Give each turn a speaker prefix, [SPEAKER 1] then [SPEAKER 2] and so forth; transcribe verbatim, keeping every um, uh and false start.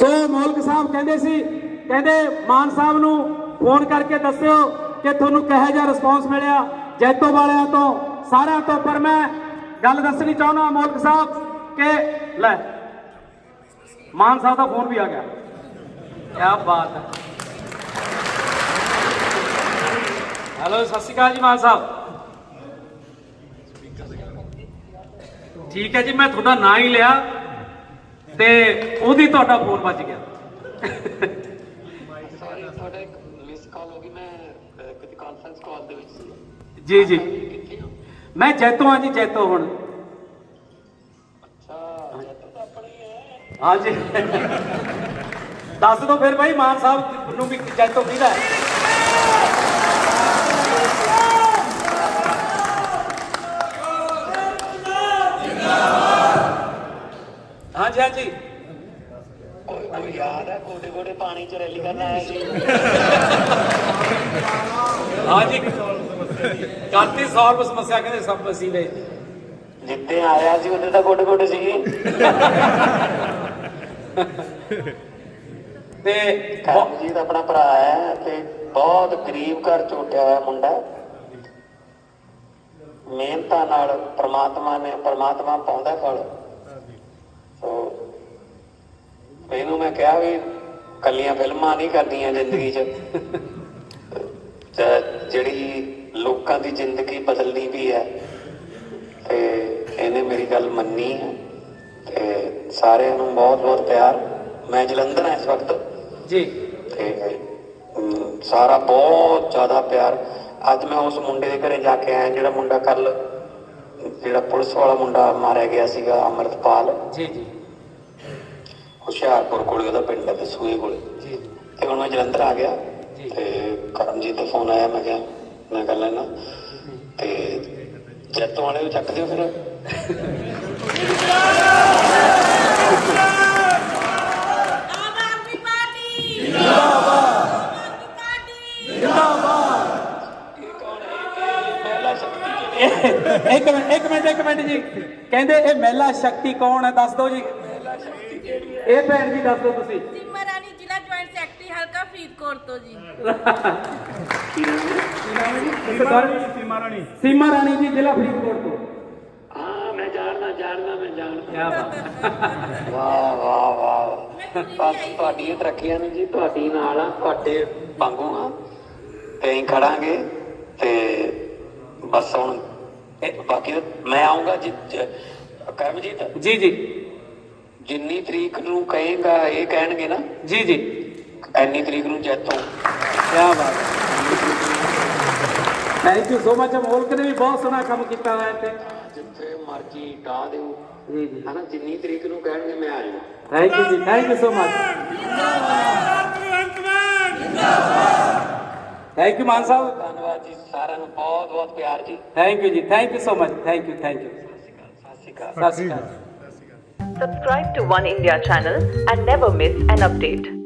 [SPEAKER 1] ਸੋ ਮੌਲਕ ਸਾਹਿਬ ਕਹਿੰਦੇ ਸੀ, ਕਹਿੰਦੇ ਮਾਨ ਸਾਹਿਬ ਨੂੰ ਫੋਨ ਕਰਕੇ ਦੱਸਿਓ ਕਿ ਤੁਹਾਨੂੰ ਕਿਹੋ ਜਿਹਾ ਰਿਸਪੌਂਸ ਮਿਲਿਆ ਜੈਤੋ ਵਾਲਿਆਂ ਤੋਂ, ਸਾਰਿਆਂ ਤੋਂ। ਪਰ ਮੈਂ ਗੱਲ ਦੱਸਣੀ ਚਾਹੁੰਦਾ ਮੌਲਕ ਸਾਹਿਬ ਕਿ ਲੈ ਮਾਨ ਸਾਹਿਬ ਦਾ ਫੋਨ ਵੀ ਆ ਗਿਆ। ਕਿਆ ਬਾਤ ਹੈ। ਹੈਲੋ, ਸਤਿ ਸ਼੍ਰੀ ਅਕਾਲ ਜੀ ਮਾਨ ਸਾਹਿਬ। ਠੀਕ ਹੈ ਜੀ, ਮੈਂ ਤੁਹਾਡਾ ਨਾਂ ਹੀ ਲਿਆ ਤੇ ਉਹਦੀ ਤੁਹਾਡਾ ਫੋਨ ਵੱਜ ਗਿਆ।
[SPEAKER 2] ਸੌਰੀ, ਤੁਹਾਡਾ ਇੱਕ ਮਿਸ ਕਾਲ ਹੋ ਗਈ। ਮੈਂ ਕਿਤੇ ਕਾਨਫਰੰਸ ਕਾਲ ਦੇ ਵਿੱਚ ਸੀ।
[SPEAKER 1] ਜੀ ਜੀ,
[SPEAKER 2] ਕਿੱਥੇ ਹੋ?
[SPEAKER 1] ਮੈਂ ਜੈਤੋ ਹਾਂ ਜੀ, ਜੈਤੋ ਹੁਣ।
[SPEAKER 2] ਅੱਛਾ, ਜੈਤੋ ਤਾਂ ਆਪਣਾ ਹੀ ਹੈ।
[SPEAKER 1] ਹਾਂ ਜੀ, ਦੱਸ ਦਿਓ ਫਿਰ ਭਾਈ ਮਾਨ ਸਾਹਿਬ ਨੂੰ ਵੀ ਜੈਤੋ ਕਿਹਦਾ ਹੈ। हाँ जी, हाँ जी,
[SPEAKER 2] ਕੋਈ ਕੋਈ ਯਾਦ ਹੈ ਗੋਡੇ ਗੋਡੇ ਪਾਣੀ ਚ ਰੈਲੀ ਕਰਨ ਆਇਆ ਸੀ?
[SPEAKER 1] हाँ जी, ਕਾਤੀ ਸੌਲਵ ਸਮੱਸਿਆ ਕਹਿੰਦੇ ਸਭ ਵਸੀਲੇ।
[SPEAKER 2] ਜਿੱਤੇ ਆਇਆ ਸੀ ਉਹਦੇ ਤਾਂ ਗੋਡੇ ਗੋਡੇ ਸੀ।
[SPEAKER 1] ਤੇ
[SPEAKER 2] ਕਰਮਜੀਤ ਆਪਣਾ ਭਰਾ ਹੈ ਤੇ ਬਹੁਤ ਗਰੀਬ ਘਰ ਚ ਉੱਠਿਆ ਹੋਇਆ ਮੁੰਡਾ। ਮਿਹਨਤਾਂ ਨਾਲ ਪ੍ਰਮਾਤਮਾ ਨੇ ਪ੍ਰਮਾਤਮਾ ਪਾਉਂਦਾ ਫਲ। ਸੋ ਇਹਨੂੰ ਮੈਂ ਕਿਹਾ ਵੀ ਕੱਲੀਆਂ ਫਿਲਮਾਂ ਨਹੀਂ ਕਰਦੀਆਂ ਜ਼ਿੰਦਗੀ 'ਚ, ਜਿਹੜੀ ਲੋਕਾਂ ਦੀ ਜ਼ਿੰਦਗੀ ਬਦਲਣੀ ਵੀ ਹੈ। ਤੇ ਇਹਨੇ ਮੇਰੀ ਗੱਲ ਮੰਨੀ ਹੈ ਤੇ ਸਾਰਿਆਂ ਨੂੰ ਬਹੁਤ ਬਹੁਤ ਪਿਆਰ। ਮੈਂ ਜਲੰਧਰ ਹਾਂ ਇਸ ਵਕਤ
[SPEAKER 1] ਜੀ
[SPEAKER 2] ਤੇ ਸਾਰਾ ਬਹੁਤ ਜ਼ਿਆਦਾ ਪਿਆਰ। ਅੱਜ ਮੈਂ ਉਸ ਮੁੰਡੇ ਦੇ ਘਰੇ ਜਾ ਕੇ ਆਇਆ ਜਿਹੜਾ ਮੁੰਡਾ ਕੱਲ ਜਿਹੜਾ ਪੁਲਿਸ ਵਾਲਾ ਮੁੰਡਾ ਮਾਰਿਆ ਗਿਆ ਸੀਗਾ, ਅੰਮ੍ਰਿਤਪਾਲ।
[SPEAKER 1] ਜੀ ਜੀ,
[SPEAKER 2] ਹੁਸ਼ਿਆਰਪੁਰ ਕੋਲੇ ਉਹਦਾ ਪਿੰਡ ਹੈ, ਦਸੂਏ ਕੋਲੇ।
[SPEAKER 1] ਜੀ
[SPEAKER 2] ਤੇ ਹੁਣ ਮੈਂ ਜਲੰਧਰ ਆ ਗਿਆ ਤੇ ਕਰਮਜੀਤ ਦਾ ਫੋਨ ਆਇਆ। ਮੈਂ ਕਿਹਾ ਮੈਂ ਕਰ ਲੈਣਾ ਤੇ ਜੈਤੋਂ ਵਾਲੇ ਨੂੰ ਚੱਕ ਦਿਓ ਫਿਰ।
[SPEAKER 1] ਇੱਕ ਮਿੰਟ ਇੱਕ ਮਿੰਟ ਇੱਕ ਮਿੰਟ ਜੀ, ਕਹਿੰਦੇ ਇਹ ਮਹਿਲਾ ਸ਼ਕਤੀ ਕੌਣ ਹੈ, ਦੱਸ ਦਿਓ ਜੀ। ਇਹ ਭੈਣ ਜੀ ਦੱਸ ਦਿਓ ਤੁਸੀਂ।
[SPEAKER 3] ਸੀਮਾ ਰਾਣੀ, ਜ਼ਿਲ੍ਹਾ ਜੁਆਇੰਟ ਸੈਕਟਰੀ, ਹਲਕਾ ਫਰੀਦਕੋਟ ਤੋਂ ਜੀ।
[SPEAKER 1] ਸੀਮਾ ਰਾਣੀ, ਸੀਮਾ ਰਾਣੀ ਜੀ, ਜ਼ਿਲ੍ਹਾ ਫਰੀਦਕੋਟ ਤੋਂ।
[SPEAKER 2] ਹਾਂ ਮੈਂ ਜਾਣਦਾ ਜਾਣਦਾ ਮੈਂ ਜਾਣਦਾ।
[SPEAKER 1] ਕਿਆ ਬਾਤ।
[SPEAKER 2] ਵਾਹ ਵਾਹ ਵਾਹ, ਬਸ ਤੁਹਾਡੀਆਂ ਤਰੱਕੀਆਂ ਨੇ ਜੀ, ਤੁਹਾਡੀ ਨਾਲ ਆ, ਤੁਹਾਡੇ ਵਾਂਗੂ ਆ ਤੇ ਅਸੀਂ ਖੜਾਂਗੇ। ਤੇ ਬਸ ਹੁਣ ਬਾਕੀ ਮੈਂ ਆਊਂਗਾ ਜੀ। ਕਰਮਜੀਤ
[SPEAKER 1] ਜੀ ਜੀ,
[SPEAKER 2] ਜਿੰਨੀ ਤਰੀਕ ਨੂੰ ਕਹੇਗਾ ਇਹ ਕਹਿਣਗੇ ਨਾ
[SPEAKER 1] ਜੀ ਜੀ,
[SPEAKER 2] ਐਨੀ ਤਰੀਕ ਨੂੰ ਜੈਤੋਂ।
[SPEAKER 1] ਕਿਆ ਬਾਤ। Thank you so much. Molak ਨੇ ਵੀ ਬਹੁਤ ਸੋਹਣਾ ਕੰਮ ਕੀਤਾ ਹੋਇਆ ਇੱਥੇ।
[SPEAKER 2] ਜਿੱਥੇ ਮਰਜੀ ਡਾ ਦਿਓ
[SPEAKER 1] ਜੀ ਜੀ,
[SPEAKER 2] ਹਨਾ, ਜਿੰਨੀ ਤਰੀਕ ਨੂੰ ਕਹਿਣਗੇ ਮੈਂ ਆ ਜਾਊਂ।
[SPEAKER 1] Thank you ji, thank you so much. Thank you Mann sahib.
[SPEAKER 2] ਧੰਨਵਾਦ ਜੀ, ਸਾਰਿਆਂ ਨੂੰ ਬਹੁਤ ਬਹੁਤ ਪਿਆਰ ਜੀ।
[SPEAKER 1] Thank you ji, thank you so much. Thank you, thank you.
[SPEAKER 2] ਸਤਿ ਸ਼੍ਰੀ ਅਕਾਲ।
[SPEAKER 1] ਸਤਿ ਸ਼੍ਰੀ ਅਕਾਲ।
[SPEAKER 4] Subscribe to One India channel and never miss an update.